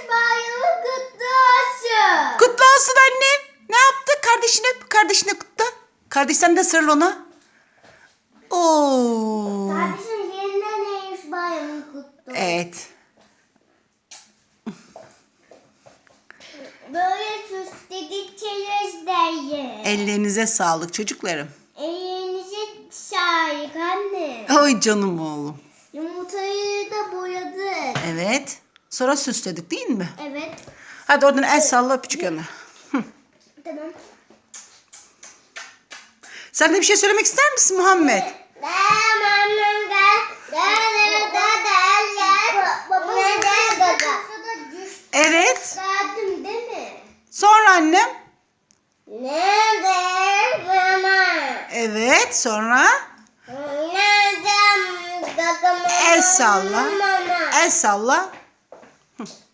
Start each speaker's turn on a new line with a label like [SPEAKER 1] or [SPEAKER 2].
[SPEAKER 1] bayramı kutlu olsun.
[SPEAKER 2] Kutlu olsun annem. Ne yaptı? Kardeşine kutla. Kardeş sen de sarıl ona. Oo.
[SPEAKER 1] Kardeşim yeniden neymiş bayramı kutlu.
[SPEAKER 2] Evet.
[SPEAKER 1] Böyle süsledikçeniz deyin.
[SPEAKER 2] Ellerinize sağlık çocuklarım.
[SPEAKER 1] Elinize sağlık anne.
[SPEAKER 2] Oy canım oğlum.
[SPEAKER 1] Yumurtayı da boyadık.
[SPEAKER 2] Evet. Sonra süsledik değil mi?
[SPEAKER 1] Evet.
[SPEAKER 2] Hadi oradan el salla öpücük yana.
[SPEAKER 1] Tamam.
[SPEAKER 2] Sen de bir şey söylemek ister misin Muhammed? Evet.
[SPEAKER 1] Verdim değil mi?
[SPEAKER 2] Sonra annem.
[SPEAKER 1] Nerede mama?
[SPEAKER 2] Evet. Sonra
[SPEAKER 1] Nerede
[SPEAKER 2] el salla.
[SPEAKER 1] mama?
[SPEAKER 2] El salla.